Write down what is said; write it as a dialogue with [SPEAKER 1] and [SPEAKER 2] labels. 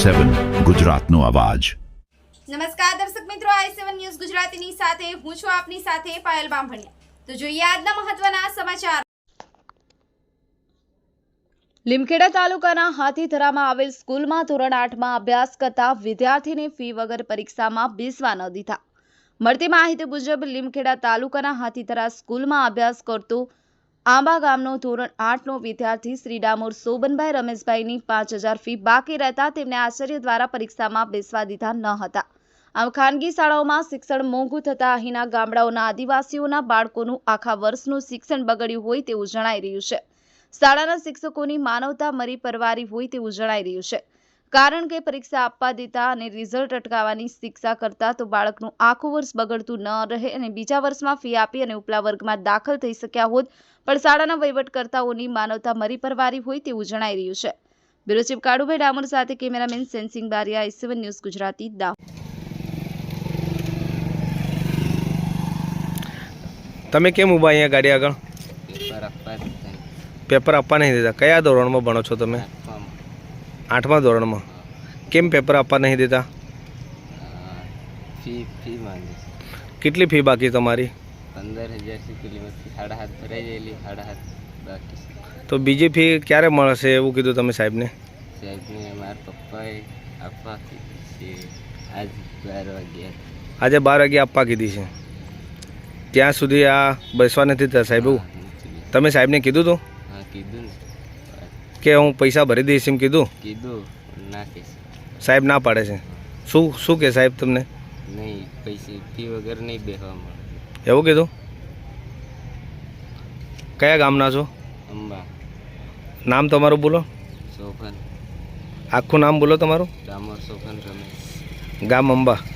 [SPEAKER 1] i7 ગુજરાતનો અવાજ।
[SPEAKER 2] નમસ્કાર દર્શક મિત્રો, i7 ન્યૂઝ ગુજરાતીની સાથે હું છું આપની સાથે પાયલ બામભણિયા। તો જોઈએ આજના મહત્વના સમાચાર। લીમખેડા તાલુકાના હાથીધરામાં આવેલ સ્કૂલમાં ધોરણ 8માં અભ્યાસ કરતા વિદ્યાર્થીને ફી વગર પરીક્ષામાં બેસવા ન દીધા। મળતી માહિતી મુજબ લીમખેડા તાલુકાના હાથીધરા સ્કૂલમાં અભ્યાસ કરતો આંબા ગામનો ધોરણ 8નો વિદ્યાર્થી શ્રી ડામોર શોભનભાઈ રમેશભાઈની 5000 ફી બાકી રહેતા તેમને આચાર્ય દ્વારા પરીક્ષામાં બેસવા દીધા ન હતા। આમ ખાનગી શાળાઓમાં શિક્ષણ મોંઘું થતા અહીંના ગામડાઓના આદિવાસીઓના બાળકોનું આખા વર્ષનું શિક્ષણ બગડ્યું હોય તેવું જણાઈ રહ્યું છે। શાળાના શિક્ષકોની માનવતા મરી પરવારી હોય તેવું જણાઈ રહ્યું છે, કારણ કે પરીક્ષા આપવા દેતા અને રિઝલ્ટ અટકાવવાની શિક્ષા કરતા તો બાળકનું આખું વર્ષ બગડતું ન રહે અને બીજા વર્ષમાં ફી આપી અને ઉપલા વર્ગમાં દાખલ થઈ શક્યા હોત, પણ શાળાના વહીવટકર્તાઓની માનવતા મરી પરવારી હોય તેવું જણાઈ રહ્યું છે। બ્યુરો ચીફ કાળુભાઈ ડામોર સાથે cameraman Sensing Baria, i7 news Gujarati, Dahod.
[SPEAKER 3] તમે કેમ ઊભા અહીંયા ગાડી આગળ? પેપર આપવા નહીં દેતા? કયા ધોરણમાં ભણો છો તમે? 8મા ધોરણમાં। કેમ પેપર આપવા નહીં દેતા?
[SPEAKER 4] ફી માંગે।
[SPEAKER 3] કેટલી ફી બાકી તમારી?
[SPEAKER 4] 15,000 કિલોમીટર 7.5 ભરાઈ ગયેલી, 7.5 બાકી।
[SPEAKER 3] તો બીજી ફી ક્યારે મળશે એવું કીધું તમે સાહેબને?
[SPEAKER 4] સાહેબને મારા પપ્પાએ આપવા કીધી છે, આજ 12 વાગ્યા।
[SPEAKER 3] આજે 12 વાગે આપવા કીધી છે, ત્યાં સુધી આ બેસવા નથી થતા સાહેબ? એવું તમે સાહેબને કીધું હતું?
[SPEAKER 4] હા કીધું ને,
[SPEAKER 3] કે હું પૈસા ભરી દઈશ એમ કીધું?
[SPEAKER 4] કીધું ના કે
[SPEAKER 3] સાહેબ ના પાડે છે? શું કે સાહેબ તમને?
[SPEAKER 4] નહીં, પૈસા ફી વગર નહીં બેસવા મળે
[SPEAKER 3] એવું કીધું? કયા ગામના છો?
[SPEAKER 4] અંબા।
[SPEAKER 3] નામ તમારું બોલો,
[SPEAKER 4] શોભન,
[SPEAKER 3] આખું નામ બોલો તમારું।
[SPEAKER 4] ડામોર શોભન રમેશ,
[SPEAKER 3] ગામ અંબા।